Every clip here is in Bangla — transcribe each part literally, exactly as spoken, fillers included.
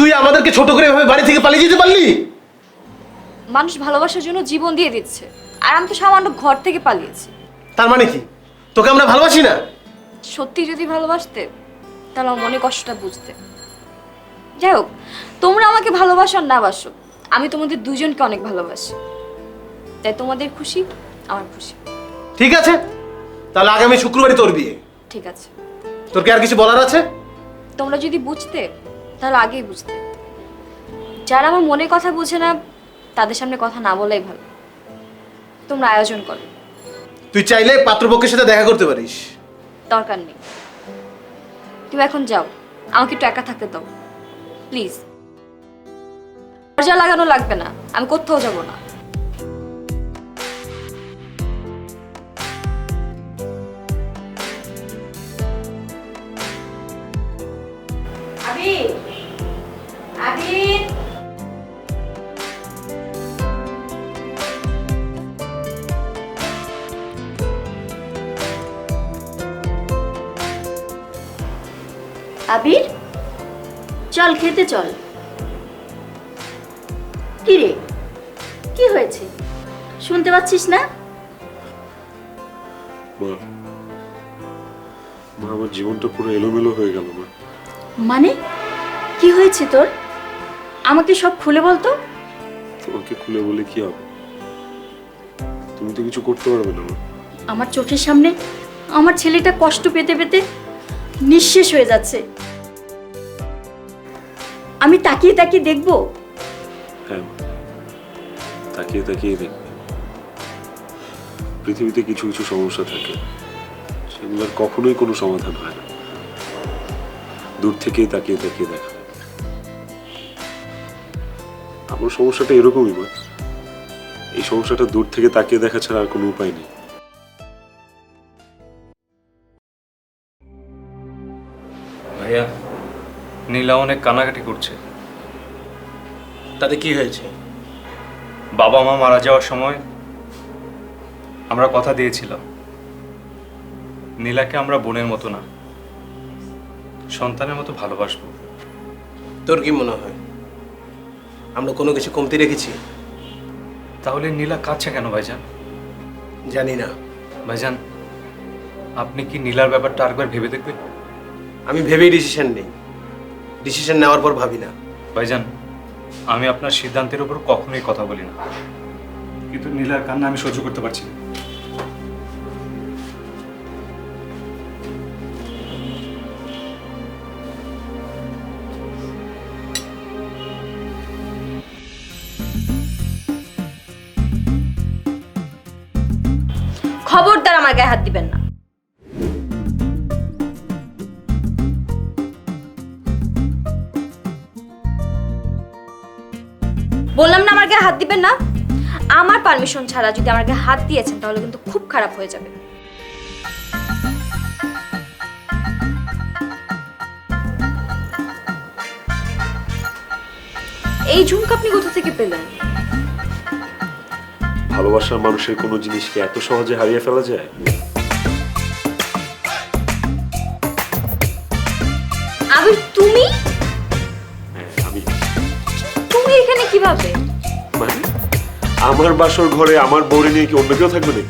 তুই আমাদেরকে ছোট করে এভাবে বাড়ি থেকে পালিয়ে যেতে পারলি? মানুষ ভালোবাসার জন্য জীবন দিয়ে দিচ্ছে, আর আমি তো সামান্য ঘর থেকে পালিয়েছি। তার মানে কি তোকে আমরা ভালোবাসি না? সত্যি যদি ভালোবাসতে তাহলে আমার মনে কষ্টটা বুঝতে। যাই হোক, তোমরা আমাকে ভালোবাসো আর না বাসো, আমি তোমাদের দুজনকে অনেক ভালোবাসি। তাই তোমাদের খুশি আমার খুশি। ঠিক আছে, তাহলে আগামী শুক্রবারই তোর বিয়ে। ঠিক আছে। তোর কি আর কিছু বলার আছে? তোমরা যদি বুঝতে তাহলে আগেই বুঝতে। যারা আমার মনের কথা বুঝে না তাদের সামনে কথা না বলাই ভালো। তোমরা আয়োজন করো। তুই চাইলে পাত্রপক্ষের সাথে দেখা করতে পারিস। দরকার নেই, তুমি এখন যাও, আমাকে একটু একা থাকতে দাও প্লিজ। দরজা লাগানো লাগবে না, আমি কোথাও যাব না। আবির, আবির, আবির, চল খেতে চল। কি রে, কি হয়েছে শুনতে পাচ্ছিস না? মা মা আমার জীবনটা পুরো এলোমেলো হয়ে গেল মা। মানে কি হয়েছে তোর? আমাকে সব খুলে বলতো। তোমাকে খুলে বলে কি হবে? তুমি তো কিছু করতে পারবে না মা। আমার চোখের সামনে আমার ছেলেটা কষ্ট পেতে পেতে নিঃশেষ হয়ে যাচ্ছে, আমি তাকিয়ে তাকিয়ে দেখবো? হ্যাঁ মা, তাকিয়ে তাকিয়ে দেখবে। পৃথিবীতে কিছু কিছু সমস্যা থাকে, সেগুলোর কখনোই কোনো সমাধান হয় না, দূর থেকেই তাকিয়ে তাকিয়ে দেখা। আমার সমস্যাটা এরকমই মা, এই সমস্যাটা দূর থেকে তাকিয়ে দেখা ছাড়া আর কোনো উপায় নেই। ভাইয়া, নীলা অনেক কান্নাকাটি করছে। তাতে কি হয়েছে? বাবা মা মারা যাওয়ার সময় আমরা কথা দিয়েছিলাম নীলাকে আমরা বোনের মতো না, সন্তানের মতো ভালোবাসবো। তোর কি মনে হয় আমরা কোনো কিছু কমতি রেখেছি? তাহলে নীলা কাঁদছে কেন ভাইজান? জানি না। ভাইজান, আপনি কি নীলার ব্যাপারটা আরেকবার ভেবে দেখবেন? আমি ভেবেই ডিসিশন নেই, ডিসিশন নেওয়ার পর ভাবি না। ভাইজান, আমি আপনার সিদ্ধান্তের উপর কখনোই কথা বলি না, কিন্তু নীলার কান্না আমি সহ্য করতে পারছি না। খবরদার আমার গায়ে হাত দিবেন না। বললাম না আমার গায়ে হাত দিবেন না। আমার পারমিশন ছাড়া যদি আমার গায়ে হাত দিয়েছেন তাহলে কিন্তু খুব খারাপ হয়ে যাবে। এই ঝুমকা আপনি কোথা থেকে পেলেন? ভালোবাসার মানুষের কোনো জিনিসকে এত সহজে হারিয়ে ফেলা যায়? আবির, তুমি হ্যাঁ, আমি। তুমি এখানে কিভাবে? মানে আমার বাসর ঘরে আমার বউরে নিয়ে কি অন্য কেউ থাকবে নাকি?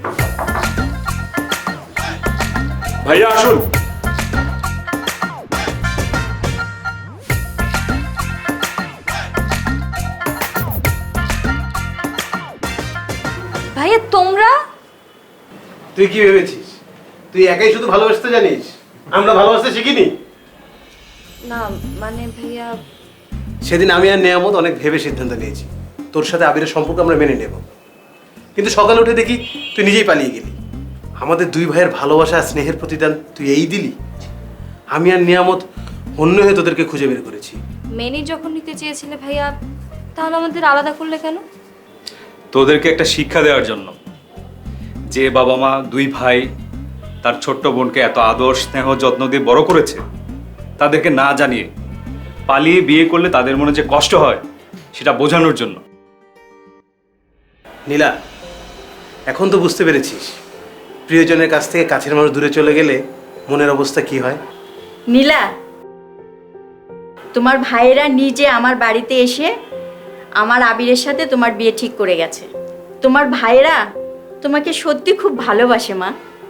ভাইয়া আসুন। ভাইয়া, তোমরা? তুই কি ভেবেছিস তুই একাই শুধু ভালোবাসতে জানিস? আমরা ভালোবাসতে শিখিনি? না মানে ভাইয়া, সেদিন আমি আর নেয়ামত অনেক ভেবে সিদ্ধান্ত নিয়েছি তোর সাথে আবিরের সম্পর্ক আমরা মেনে নেব, কিন্তু সকালে উঠে দেখি তুই নিজেই পালিয়ে গেলি। আমাদের দুই ভাইয়ের ভালোবাসা আর স্নেহের প্রতিদান তুই এই দিলি? আমি আর নিয়ামত অন্য হয়ে তোদেরকে খুঁজে বের করেছি। মেনে যখন নিতে চেয়েছিলে ভাইয়া, তাহলে আমাদের আলাদা করলে কেন? তোদেরকে একটা শিক্ষা দেওয়ার জন্য, যে বাবা মা দুই ভাই তার ছোট্ট বোনকে এত আদর স্নেহ যত্ন দিয়ে বড় করেছে, তাদেরকে না জানিয়ে পালিয়ে বিয়ে করলে তাদের মনে যে কষ্ট হয় সেটা বোঝানোর জন্য। নীলা, এখন তো বুঝতে পেরেছিস প্রিয়জনের কাছ থেকে কাছের মানুষ দূরে চলে গেলে মনের অবস্থা কি হয়। নীলা, তোমার ভাইয়েরা নিজে আমার বাড়িতে এসে আমার আবিরের সাথে তোমার বিয়ে ঠিক করে গেছে। তোমার ভাইয়েরা তোমাকে সত্যি খুব ভালোবাসে মা।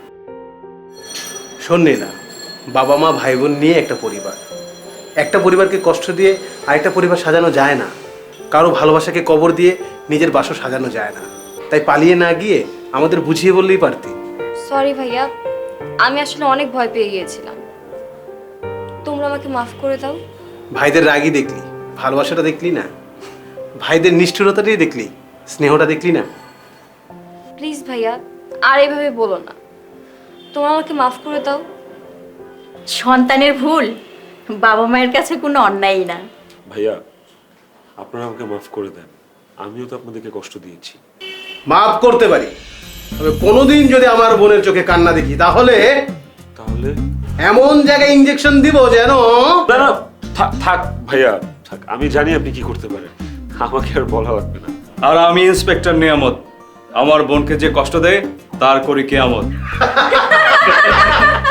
শোন না, বাবা মা ভাই বোন নিয়ে একটা পরিবার, একটা পরিবারকে কষ্ট দিয়ে আরেকটা পরিবার সাজানো যায় না। কারো ভালোবাসাকে কবর দিয়ে নিজের বাসও সাজানো যায় না। তাই পালিয়ে না গিয়ে আমাদের বুঝিয়ে বললেই পারতি। সরি ভাইয়া, আমি আসলে অনেক ভয় পেয়ে গিয়েছিলাম। তোমরা আমাকে মাফ করে দাও। ভাইদের রাগই দেখলি, ভালোবাসাটা দেখলি না। ভাইদের নিষ্ঠুরতাটাই দেখলি, স্নেহটা দেখলি না। প্লিজ ভাইয়া, আর এইভাবে বলো না। তোমরা আমাকে মাফ করে দাও। সন্তানের ভুল বাবা মায়ের কাছে কোনো অন্যায়ই না। ভাইয়া, আপনারা আমাকে মাফ করে দেন, আমিও তো আপনাদেরকে কষ্ট দিয়েছি। মাফ করতে পারি, তবে কোনোদিন যদি আমার বোনের চোখে কান্না দেখি তাহলে তাহলে এমন জায়গায় ইঞ্জেকশন দিব যেন। না না, থাক থাক ভাইয়া থাক, আমি জানি আপনি কি করতে পারেন, আমাকে আর বলা লাগবে না। আর আমি ইন্সপেক্টর নিয়ামত, আমার বোনকে যে কষ্ট দেয় তার করি কেয়ামত।